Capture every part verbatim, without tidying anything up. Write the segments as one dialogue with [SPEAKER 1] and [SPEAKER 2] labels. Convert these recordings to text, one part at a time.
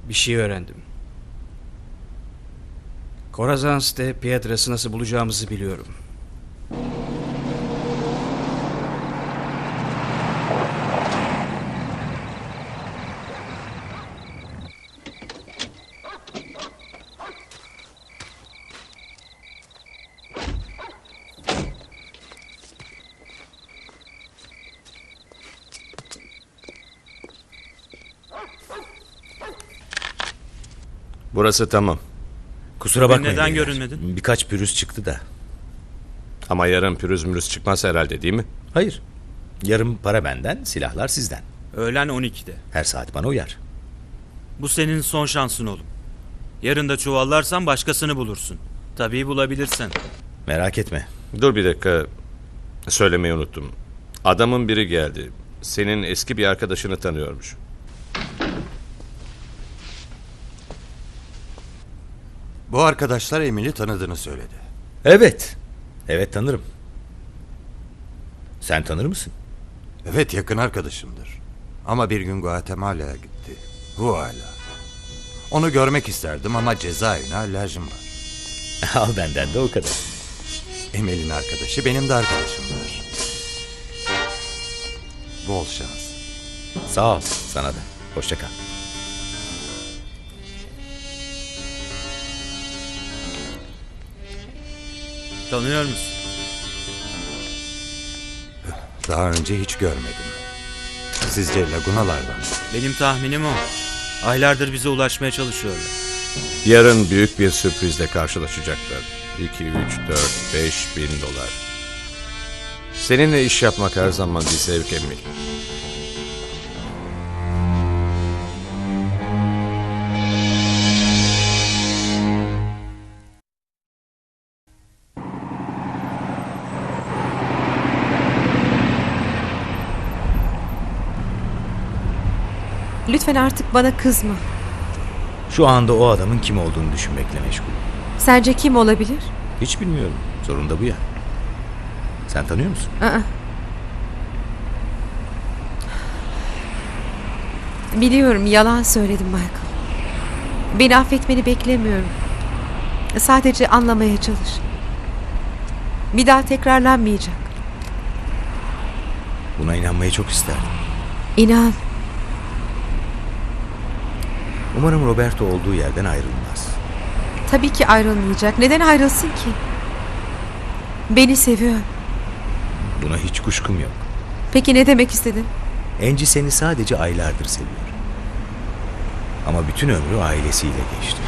[SPEAKER 1] Bir şey öğrendim. Korazans'te Pietras'ı nasıl bulacağımızı biliyorum.
[SPEAKER 2] Burası tamam.
[SPEAKER 3] Kusura bakmayın.
[SPEAKER 4] Neden
[SPEAKER 3] beyler.
[SPEAKER 4] görünmedin?
[SPEAKER 3] Birkaç pürüz çıktı da.
[SPEAKER 2] Ama yarın pürüz mürüz çıkmaz herhalde, değil mi?
[SPEAKER 3] Hayır. Yarım para benden, silahlar sizden.
[SPEAKER 4] Öğlen on ikide.
[SPEAKER 3] Her saat bana uyar.
[SPEAKER 4] Bu senin son şansın oğlum. Yarın da çuvallarsan başkasını bulursun. Tabii bulabilirsen.
[SPEAKER 3] Merak etme.
[SPEAKER 2] Dur bir dakika. Söylemeyi unuttum. Adamın biri geldi. Senin eski bir arkadaşını tanıyormuş.
[SPEAKER 5] Bu arkadaşlar Emil'i tanıdığını söyledi.
[SPEAKER 3] Evet. Evet, tanırım. Sen tanır mısın?
[SPEAKER 5] Evet, yakın arkadaşımdır. Ama bir gün Guatemala'ya gitti. Huala. Onu görmek isterdim ama cezaevine alerjim var.
[SPEAKER 3] Al benden de o kadar.
[SPEAKER 5] Emil'in arkadaşı benim de arkadaşımdır. Bol şans.
[SPEAKER 3] Sağ ol, sana da. Hoşça kal.
[SPEAKER 4] Tanıyor musun?
[SPEAKER 5] Daha önce hiç görmedim. Sizce Lagunalardan mı?
[SPEAKER 4] Benim tahminim o. Aylardır bize ulaşmaya çalışıyorlar.
[SPEAKER 2] Yarın büyük bir sürprizle karşılaşacaklar. iki, üç, dört, beş bin dolar. Seninle iş yapmak her zaman bir zevk Emil.
[SPEAKER 6] Lütfen artık bana kızma.
[SPEAKER 3] Şu anda o adamın kim olduğunu düşünmekle meşgul.
[SPEAKER 6] Sence kim olabilir?
[SPEAKER 3] Hiç bilmiyorum. Sorun da bu ya. Sen tanıyor musun?
[SPEAKER 6] Aa. Biliyorum, yalan söyledim Michael. Beni affetmeni beklemiyorum. Sadece anlamaya çalış. Bir daha tekrarlanmayacak.
[SPEAKER 3] Buna inanmayı çok isterdim.
[SPEAKER 6] İnan.
[SPEAKER 3] Umarım Roberto olduğu yerden ayrılmaz.
[SPEAKER 6] Tabii ki ayrılmayacak. Neden ayrılsın ki? Beni seviyor.
[SPEAKER 3] Buna hiç kuşkum yok.
[SPEAKER 6] Peki ne demek istedin?
[SPEAKER 3] Angie seni sadece aylardır seviyor. Ama bütün ömrü ailesiyle geçti.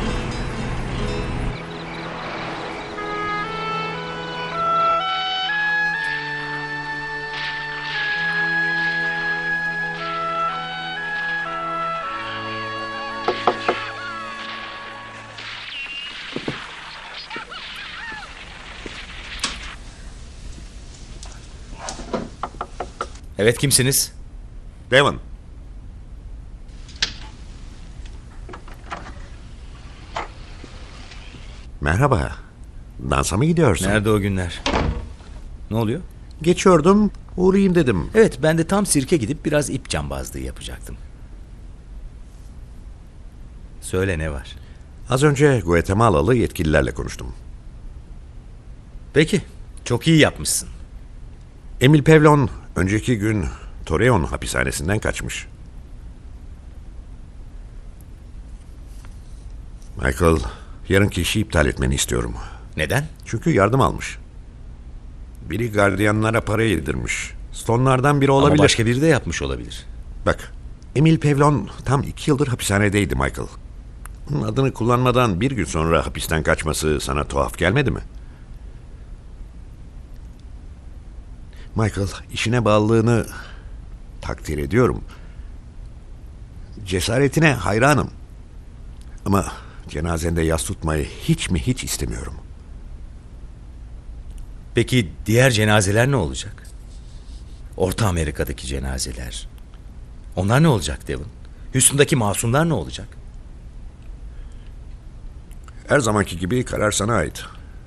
[SPEAKER 3] Evet, kimsiniz?
[SPEAKER 7] Devon. Merhaba. Dansa mı gidiyorsun?
[SPEAKER 3] Nerede o günler? Ne oluyor?
[SPEAKER 7] Geçiyordum, uğrayayım dedim.
[SPEAKER 3] Evet, ben de tam sirke gidip biraz ip cambazlığı yapacaktım. Söyle, ne var?
[SPEAKER 7] Az önce Guatemalalı yetkililerle konuştum.
[SPEAKER 3] Peki, çok iyi yapmışsın.
[SPEAKER 7] Emil Pevlon önceki gün Torreon hapishanesinden kaçmış. Michael, yarınki işi iptal etmeni istiyorum.
[SPEAKER 3] Neden?
[SPEAKER 7] Çünkü yardım almış. Biri gardiyanlara para yedirmiş. Stonlardan biri olabilir.
[SPEAKER 3] Ama başka biri de yapmış olabilir.
[SPEAKER 7] Bak, Emil Pevlon tam iki yıldır hapishanedeydi Michael. Onun adını kullanmadan bir gün sonra hapisten kaçması sana tuhaf gelmedi mi? Michael, işine bağlılığını takdir ediyorum. Cesaretine hayranım. Ama cenazende yas tutmayı hiç mi hiç istemiyorum.
[SPEAKER 3] Peki diğer cenazeler ne olacak? Orta Amerika'daki cenazeler. Onlar ne olacak Devon? Houston'daki masumlar ne olacak?
[SPEAKER 7] Her zamanki gibi karar sana ait.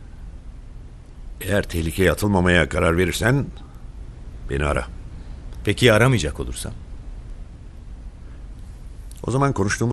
[SPEAKER 7] Eğer tehlikeye atılmamaya karar verirsen beni ara.
[SPEAKER 3] Peki aramayacak olursam?
[SPEAKER 7] O zaman konuştuğumuz